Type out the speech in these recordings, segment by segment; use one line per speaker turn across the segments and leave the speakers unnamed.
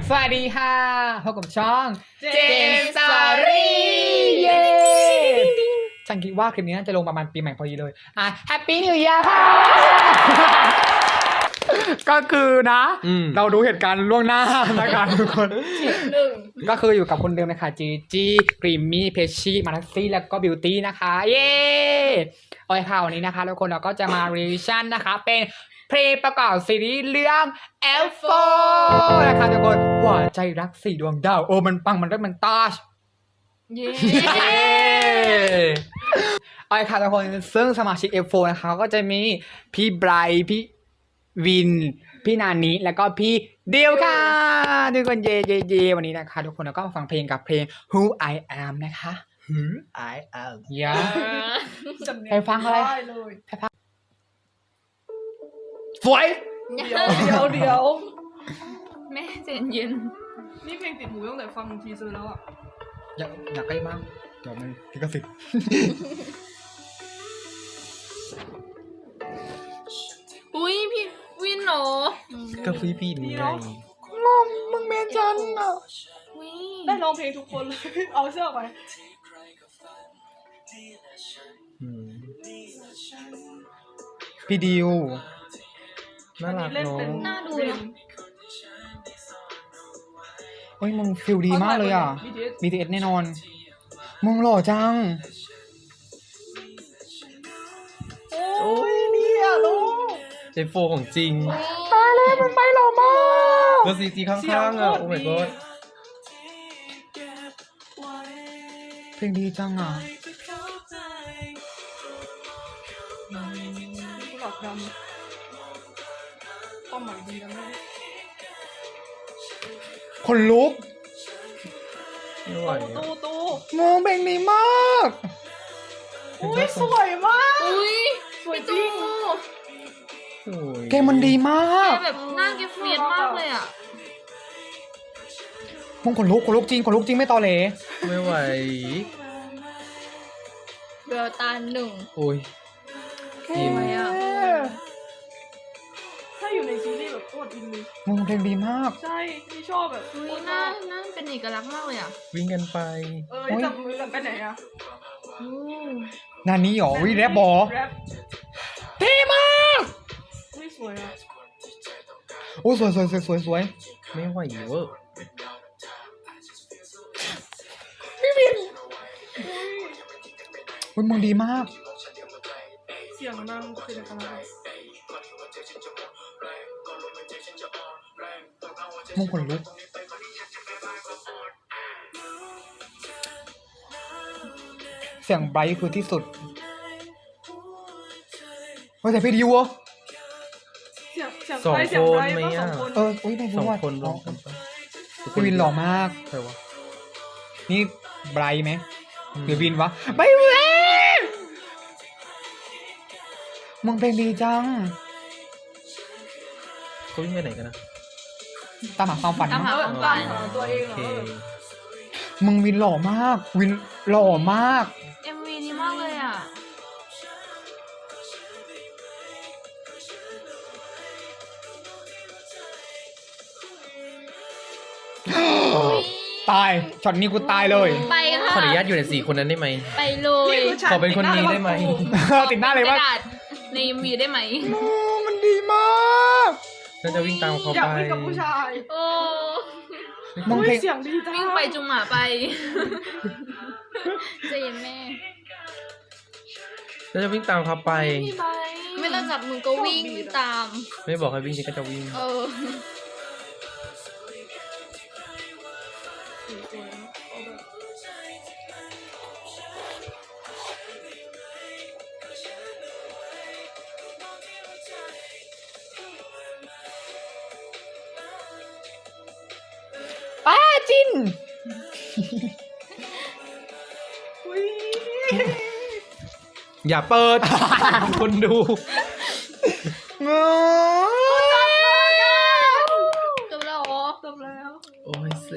สวัสดีค่ะพบกับช่อง
เจนสตอรี่
เย้ฉันคิดว่าคลิปนี้น่าจะลงประมาณปีใหม่พอดีเลยแฮปปี้นิว e ย r ค่ะ ก็คือนะเราดูเหตุการณ์ล่วงหน้านะครับทุกคนก็คืออยู่กับคนเดิมนะคะจีจีกรีมมี่เพชชี่มาร์ซี่แล้วก็บิวตี้นะคะเย้โอเคค่ะวันนี้นะคะทุกคนเราก็จะมารีวิชั่นนะคะเป็นเพลงประกอบซีรีส์เรื่อง F4 นะคะทุกคนหัวใจรัก4 ดวงดาวโอ้มันปังมันเลิศมันตาชเย้โอเคค่ะทุกคนซึ่งสมาชิก F4 นะคะก็จะมีพี่ไบรท์พี่วินพี่นานิแล้วก็พี่เดียวค่ะทุกคนเย่วันนี้นะคะทุกคนเราก็มาฟังเพลงกับเพลง Who I Am นะคะ
Who I am
อย่าไปฟังอะไรไปฟังสวย
เดี๋ยวแม่เจนเย็น
นี่เพลงติดหูตั้งแต่ฟังทีเซอร์แล้วอ่ะ
อยากใกล้มากเดี๋ยวมันลิขสิทธิ์
อุ้ยพี่วินเหรอ
ก็พี่นี่ไง
งงมึงเมนจันอ่ะ
ได้ร้องเพลงทุกคนเลยเอาเสื้อไป
พี่ดิว
น่ารักเนาะ
น่าดูเนาะ
เฮ้ยมึงฟิลดีมากเลยอ่ะ BTS แน่นอนมึงหล่อจัง
โอ้ยเนี่ยลูกเจโฟของจริง
ตายเลยมึงไปหล่อมาก
ก็ซีจีข้างๆอ่ะโอ้ my god
เพลงดีจังอ่ะ
หลอกดำความหมายดีนะแม่
คนลุก
ไม่ไหว
ตู้งงเพลงดีมาก
อุ้ยสวยมาก
อุ้ย
สวย
พี่
จริ
ตู้
ง
เกมมันดีมาก
แบบหน้าแกเฟียสมากเลยอ่ะ
มึงขนลุกจริงไม่ตอเหล
ไม่ไหว
เบลตาหนึ่ง
โอ้ย
ทำไมอ่ะ
ถ้าอยู่ในซีรีส์แบบโคตรอินเลย
มึงเพลงดีมาก
ใช่ที่ชอบแบบ
อุ้ยหน้าเป็นเอกลักษณ์มากเลยอ่ะ
วิ่งกันไป จับมือกันไปไหนอะ
อู้
นานี้หรอวิแรปบอ
แรป
เท่มาก
ไม่สวยอะ
โอ้สวย
ไม่ไหวเวอร์
อุ้ยมึงดีมาก
เสียงนางเป็นอะไร
มึงขนลุกเสียงไบรท์คือที่สุดเฮ้ยแต่พี่ดิวอ่ะ
เสียงไพไหมอ่ะ
อุ้ยใน
สอง
ว่า
คนรวมกันปะ
พี่วินหล่อมาก
ใครวะ
นี่ไบรท์ไหมหรือวินวะไบรท์มึงเพลงดีจัง
เขาวิ่งไปไหนกันนะ
ตามหาความฝัน
ตามหา
มั้ง
ความฝัน
ตัวเองโอเค
มึงวินหล่อมาก วินหล่อมาก
MV ดีมากเลยอ่ะ
ตายช็อตนี้กูตายเลย
ไปค่ะ
ขออนุญาตอยู่ใน4 คนนั้นได้ไหม
ไปเลย
ขอเป็นคนนี้ได้ไหม
ติดหน้าเลย
ก
ว่า
ระดาษใน MV ได้ไหม
โอ้มันดีมาก
น่าจะวิ่งตามเขา
อยาก
ไป
วิ่งกับผู้ชาย
โอ้
มึงเพลง
เสียงดีจัง
วิ่งไปจุงหมาไปใจเย็นแม่
น่าจะวิ่งตามเขาไป
พี่ไบ
ไม่ต้องจับมือก็วิ่งตาม
ไม่บอกให้วิ่งฉันก็จะวิ่ง
เออ
ป้าจิน
อย่าเปิด คนดู
เงอ
จบแล้วเหรอ
จบแล้ว
โอ้ยเซ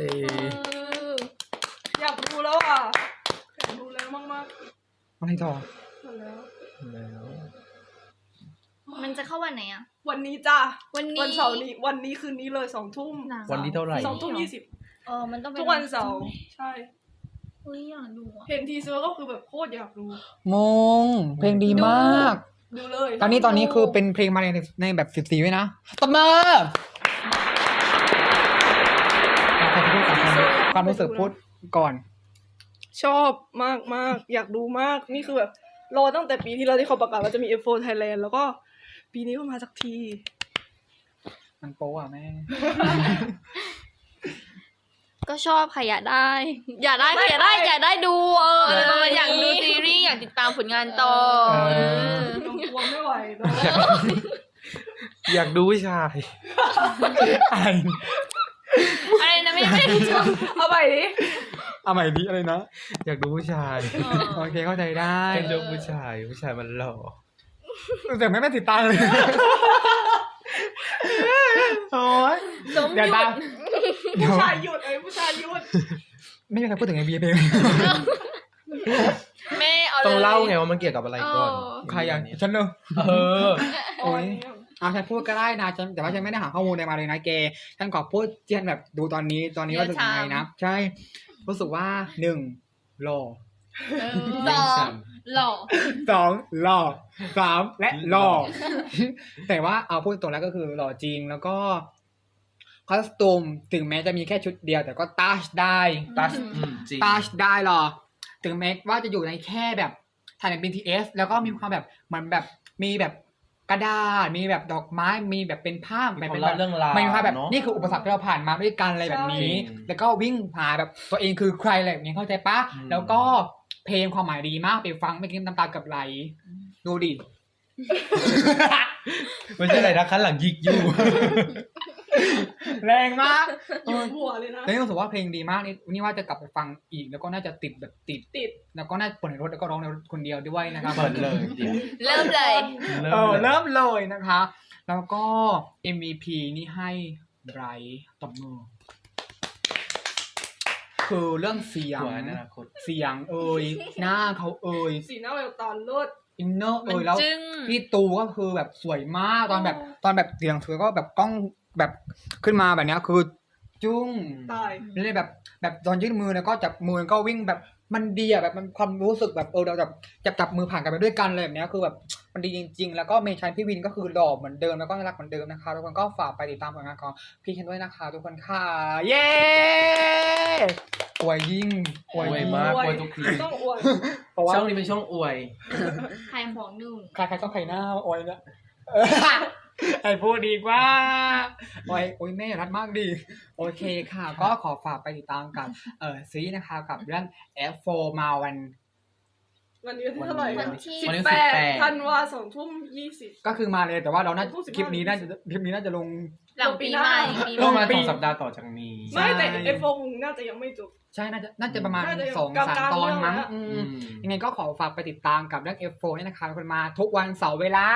อยากดูแล้วอ่ะอยากดูแล้วมาก
อะไรต่อ
ๆหมดแล้ว
แล้ว
มันจะเข้าวันไหนอ่ะ
วันนี้จ้า
วันนี้
วันเสาร์นี้วันนี้คืนนี้เลย2 ทุ่ม
วันที่เท่าไหร่
2 ทุ่ม 20
มันต้องเป็น
ทุกวันเสาร์ใช่
อุ้ยอยากดูอ่ะ
เห็นทีเซอร์ก็คือแบบโคตรอยากดู
มงเพลงดีมาก
ดูเลย
ตอนนี้คือเป็นเพลงมาในแบบ14ด้วยนะตบมือความรู้สึกพูดก่อน
ชอบมากมากอยากดูมากนี่คือแบบรอตั้งแต่ปีที่แล้วที่เขาประกาศว่าจะมี F4 Thailand แล้วก็ปีนี้ก็มาสักที
มันโป๊อ่ะแม่
ก็ชอบค่ะอยากได้อยากได้ดูอยากดูซีรีส์อยากติดตามผลงานต่อ
น้องกลัวไม่ไหวเนอะ
อยากดูผู้ชาย
อะไรนะไม่ได้ชอบ
เอาไปดิ
เอาใหม่ดิอะไรนะ
อยากดูผู้ชาย
โอเคเข้าใจได้
เป็นเรื่องผู้ชายมันหล่อ
แต่ไม่ติดตามเลยโอ้ย
สม
เดี๋ยว
ยุ
ตา
ท
ม
ธ
เดี๋ยว
ผู้ชายหยุดผู้ชายหยุด
ไม่มีใครพูดถึงไอเบียเพลง
แม่เอาเลย
ต้องเล่าไงว่ามันเกี่ยวกับอะไรก่อน
ใครอ่ะฉันเนอะ
เออ
โอ้ยฉันพูดก็ได้นะฉันแต่ว่าฉันไม่ได้หาข้อมูลอะไรมาเลยนะเกฉันขอพูดเจียนแบบดูตอนนี้ว่าจะยังไงนะใช่รู้สึกว่า1หล่อ
สองหล่อ
2หล่อ3และหล่อ แต่ว่าเอาพูดตรงแล้วก็คือหล่อจริงแล้วก็คอสตูมถึงแม้จะมีแค่ชุดเดียวแต่ก็ตัชได้
ตัชจริง
ตัชได้หรอถึงแม้ว่าจะอยู่ในแค่แบบถ่ายใน BTS แล้วก็มีความแบบเหมือนแบบมีแบบกระดาษมีแบบดอกไม้มีแบบเป็นภาพ
มี
แบบ
ความ
เป็น
เล่าเรื่องราว
ไม่มีภาพแบบ
เนอะ
นี่คืออุปสรรคที่เราผ่านมาด้วยกันอะไรแบบนี้
ใช่
แล้วก็วิ่งหาแบบตัวเองคือใครอะไรแบบนี้เข้าใจปะ
อืม
แล้วก็เพลงความหมายดีมากไปฟังไม่กินน้ำตากับไหลดูดิ
ไม่ใช่อะไรนะคันหลังยิกอยู่
แรงมาก
หยุดหัวเลยนะ
แล้วนี่รู้สึกว่าเพลงดีมากนี่ว่าจะกลับไปฟังอีกแล้วก็น่าจะติดแล้วก็น่าเปิดในรถแล้วก็ร้องในรถคนเดียวด้วยนะครับ
เปิดเลยเดี๋ยว
เริ่มเลย
เริ่มเลยนะคะ แล้วก็ MVP นี่ให้ไบรท์ตบมือคือเรื่องเสียง
หัวอนาคต
เสียงหน้าเขา
สีหน้าแววตาเลิศ
อินเนอร์
มัน
แล้ว
จึ้ง
พี่ตูก็คือแบบสวยมากตอนแบบเสียงเธอก็แบบกล้องแบบขึ้นมาแบบเนี้ยคือจุ้ง
ตาย
เลยแบบตอนยื่นมือแล้วก็จับมือก็วิ่งแบบมันดีอะแบบมันความรู้สึกแบบเราแบบจับมือผ่านกันไปด้วยกันเลยแบบเนี้ยคือแบบมันดีจริงๆ แล้วก็เมชันพี่วินก็คือหล่อเหมือนเดิมแล้วก็น่ารักเหมือนเดิมนะคะทุกคนก็ฝากไปติดตามผลงานของพี่เคนด้วยนะคะทุกคนค่ะเย้อวยยิ่งอวย
อวย
ยิ่ง
มาก อวยทุกที
ต้องอวย
เพราะว่า
ช่องนี้เป็นช่องอวย
ใครของหนึ่ง
ใครๆก็ใครหน้าอวยเนี่ยไอ้พูดดีกว่าโอ้ยแม่รัดมากดีโอเคค่ะ ก็ขอฝากไปติดตามกับซีรีส์นะคะกับเรื่อง F4 มาวัน
วันนี้ที่เท่าไหร่
วันที่
วันที่
18 ธันวา2 ทุ่ม 20
ก็คือมาเลยแต่ว่าเราน่า
15
คลิปนี้น่าจะลง
หลังปีใหม่ปี
ก็
ใหม่
มา2 สัปดาห์ต่อจากนี้
ใช่
ไม่แต่ F4 คงน่าจะยังไม่จบ
ใช่น่าจะประมาณ
น่าจะ
2-3 ตอนมั้ง
กลางๆ
อืม
อืม
ยังไงก็ขอฝากไปติดตามกับเรื่อง F4 นี่นะคะคนมาทุกวันเสาร์เวลา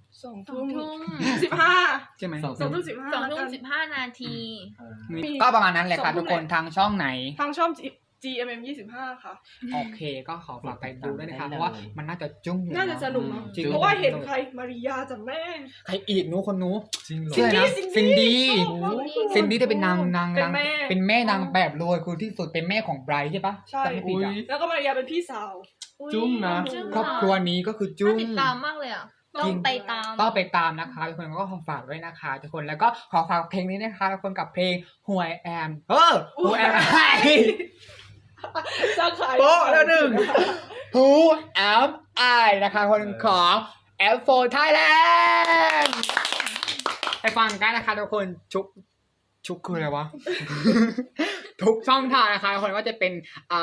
2
ทุ่
ทุ่
ม
ม 15
ใช่ไหม
2
2 ทุ่ม 15
2 ทุ่
แล้วกั
ม
น
15 นาที
ก็ประมาณนั้นแหละค่ะ
2 ทุ่
ทุ
ม
กคนทางช่องไหน
ทางช่อง GMM 25 ค่ะ
โอเคก็ขอฝากไปดูด้วยนะคะ
ได้เลย
เพราะว่ามันน่าจะจุ้งอยู่
น่าจะสนุกเนาะ
จริง
เพราะว่าเห็นใครมาริยาจากแม่
ใครอีกนู้คนนู้
จริงเหรอ
ชื่ออะไรนะซินดี้
ชอบมากเลย
ซินดี้จะเป็นนาง
เป็นแม่
เป็นแม่นางแบบรวยคือที่สุดเป็นแม่ของไบรท์ใช่ปะ
ใช่
จำไม่ผิดอ่ะ
แล้วก็มาริยาเป็นพี่สาว
จุ้งนะ
จุ้ง
ครอบครัวนี้ก็คือจุ้
น่าง ติดตามมากเลยอ่ะต้องไปตาม
ต้องไปตามนะคะทุกคนก็ขอฝากด้วยนะคะทุกคนแล้วก็ขอฝากเพลงนี้นะคะทุกคนกับเพลง Who I Am Who Am I
สร้างขาย
โป๊ะแล้วหนึ่ง
Who Am I นะคะคนของ F4 Thailand ไปฟังกันนะคะทุกคนชุกคืออะไรวะ ทุกช่องทางนะคะทุกคนก็จะเป็น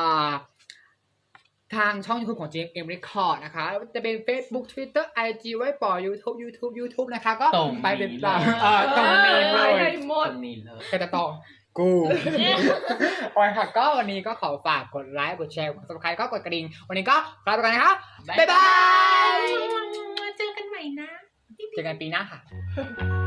ทางช่อง YouTube ของ JMM Record นะคะจะเป็น Facebook Twitter IG ไว้ปอ YouTube นะคะก็
ตรง
ไปเป็น
นี้
ตาม
เลย
ตรงนี้เลย
ให้หมด
คนนี้เลย
ใครจะต่อกูโอเคค่ะก็วันนี้ก็ขอฝากกดไลค์กดแชร์กด Subscribe ก็กดกระดิ่งวันนี้ก็ลาไปก่อนนะคะบ๊ายบาย
เจอกันใหม่นะ
เจอกันปีหน้าค่ะ